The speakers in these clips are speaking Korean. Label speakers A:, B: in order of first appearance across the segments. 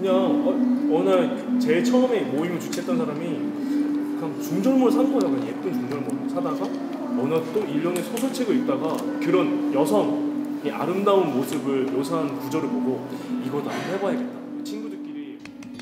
A: 그냥 어느 날 제일 처음에 모임을 주최했던 사람이 그냥 중절모를 산 거예요. 그냥 예쁜 중절모를 사다가 어느 날 또 일련의 소설책을 읽다가 그런 여성의 아름다운 모습을 묘사한 구절을 보고 이거 나도 해봐야겠다. 친구들끼리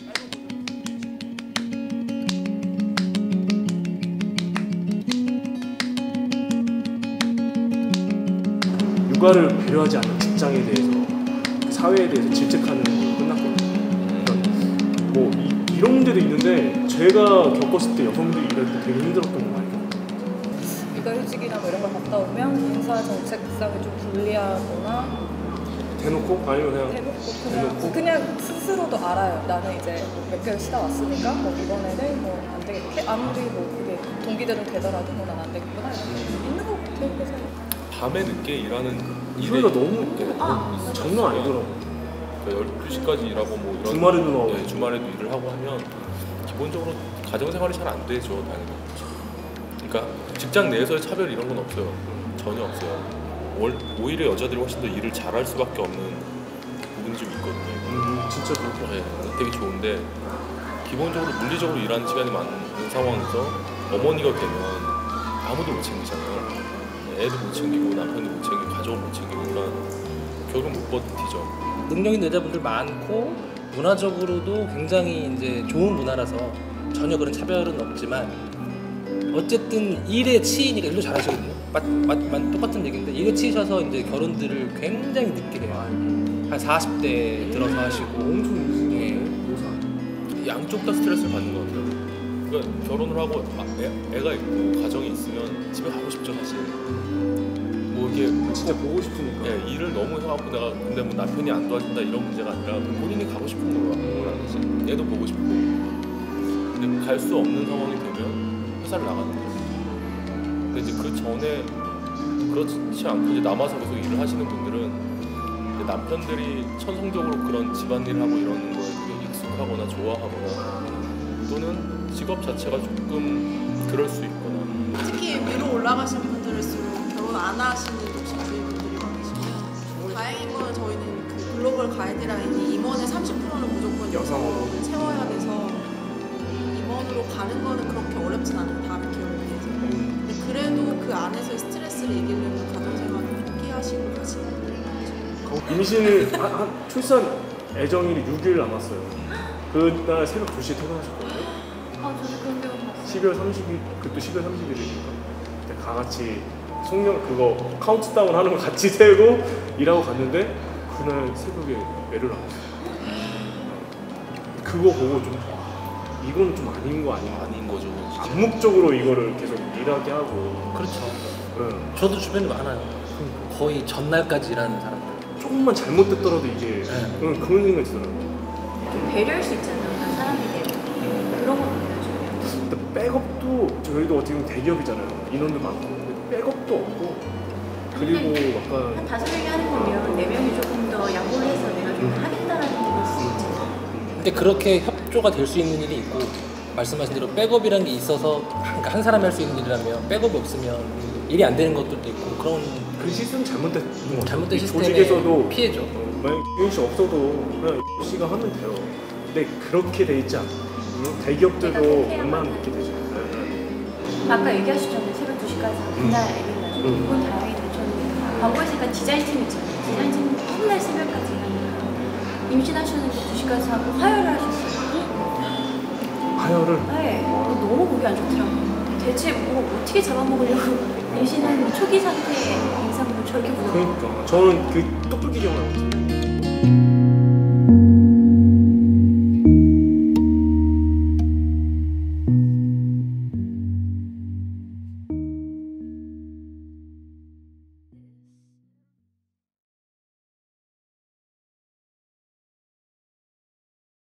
A: 육아를 배려하지 않는 직장에 대해서 사회에 대해서 질책하는 걸로 끝났거든요. 그러니까 뭐 이런 문제도 있는데 제가 겪었을 때 여성들이 일할 때 되게 힘들었던 거 많이 겪었어요.
B: 육아휴직이나 뭐 이런 걸 갔다 오면 인사 정책상을 좀 불리하거나
A: 대놓고? 아니면 그냥
B: 대놓고 그냥 스스로도 알아요. 나는 이제 몇 개월 쉬다 왔으니까 뭐 이번에는 뭐 안 되겠다. 아무리 뭐 그게 동기들은 되더라도 뭐 난 안 되겠구나 이런 게 있는 것 같아요. 그래서
C: 밤에 늦게 일하는
A: 소리가 너무 장난 아니더라고.
C: 12시까지 일하고 뭐 이런
A: 주말에도 나오고.
C: 네, 주말에도 일을 하고 하면 기본적으로 가정생활이 잘 안 되죠, 당연히. 그러니까 직장 내에서의 차별 이런 건 없어요. 전혀 없어요. 오히려 여자들이 훨씬 더 일을 잘할 수밖에 없는 부분이 좀 있거든요.
A: 진짜 그렇고.
C: 네, 되게 좋은데 기본적으로 물리적으로 일하는 시간이 많은 상황에서 어머니가 되면 아무도 못 챙기잖아요. 애도 못 챙기고 남편도 못 챙기고 가족을 못 챙기고 그러니까 결국은 못 버티죠.
D: 능력 있는 여자분들 많고 문화적으로도 굉장히 이제 좋은 문화라서 전혀 그런 차별은 없지만 어쨌든 일에 치이니까 일도 잘하시거든요. 똑같은 얘기인데 일에 치이셔서 이제 결혼들을 굉장히 늦게 해요. 한 40대 들어서 하시고
A: 엄청
D: 예.
C: 양쪽 다 스트레스를 받는 것 같아요. 그러니까 결혼을 하고 애가 있고 가정이 있으면 집에 가고 싶죠 사실. 뭐 이게
A: 진짜 보고 싶으니까.
C: 예, 일을 너무 해갖고 내가 근데 뭐 남편이 안 도와준다 이런 문제가 아니라 본인이 가고 싶은 거라는 거지. 애도 보고 싶고. 근데 갈 수 없는 상황이 되면 회사를 나가는 거죠. 근데 이제 그 전에 그렇지 않고 이제 남아서 계속 일을 하시는 분들은 이제 남편들이 천성적으로 그런 집안일을 하고 이러는 거에 되게 익숙하거나 좋아하거나 또는 직업 자체가 조금 그럴 수 있거나.
E: 특히 위로 올라가신 분들일수록 결혼 안 하시는 독신주의분들이 많으시고 다행인 거는 저희는 그 글로벌 가이드라인이 임원의 30%는 무조건 여성으로 채워야 돼서 임원으로 가는 거는 그렇게 어렵진 않아요. 다른 기업에 비해서. 근데 그래도 그 안에서의 스트레스를 이기려면 가정생활을 포기하시고 가시는 분들이 많죠.
A: 임신을 출산 예정일이 6일 남았어요. 그날 새벽 2시에 퇴근하셨거든요.
F: 저도 그런 경우 봤어요.
A: 12월 30일, 그것도 12월 30일이니까 그때 다 같이 송년 그거 카운트다운 하는 거 같이 세고 일하고 갔는데 그날 새벽에 애를 낳았어요. 그거 보고 좀 이건 좀 아닌 거 아닌가.
C: 아닌 거죠. 진짜.
A: 암묵적으로 이거를 계속 일하게 하고.
D: 그렇죠.
A: 응.
D: 저도 주변에 많아요. 거의 전날까지 일하는 사람들.
A: 조금만 잘못됐더라도 이게 그런 생각이 들더라고요.
F: 좀 배려할 수 있잖아요. 난 사람이 되고 그런 건 없죠.
A: 근데 백업도 저희도 어떻게 보면 대기업이잖아요. 인원도 많고 근데 백업도 없고 그리고 약간
F: 한 5명이 하는 거면 4명이 조금 더 양보를 해서 내가 좀 하겠다라는 게 있을 수 있잖아요.
D: 근데 그렇게 협조가 될 수 있는 일이 있고 말씀하신 대로 백업이라는 게 있어서 그러니까 한 사람이 할 수 있는 일이라면 백업이 없으면 일이 안 되는 것들도 있고 그런
A: 그 시스템 잘못된 것 같아요.
D: 잘못된 시스템의
A: 조직에서도
D: 피해죠.
A: 만약 유인 씨 없어도 그냥 씨가 하면 돼요. 근데 그렇게 돼 있지 않고 대기업들도 웬만하면 이렇게 되죠.
F: 아까 얘기하셨잖아요. 새벽 2시까지 그날 애를 낳아주고 그건 다행히 괜찮은데 광고회사가 디자인팀 있잖아요. 디자인팀은 맨날 새벽까지 일하니까 임신하셨는데 2시까지 하고 화요일을 하셨어요.
A: 하여를?
F: 네. 너무 보기 안 좋더라고요. 대체 뭐 어떻게 잡아먹으려고 임신한 초기 상태의 임산부를 저렇게 보는 거예요.
A: 그러니까 저는 그 똑똑히 경험을 못해요.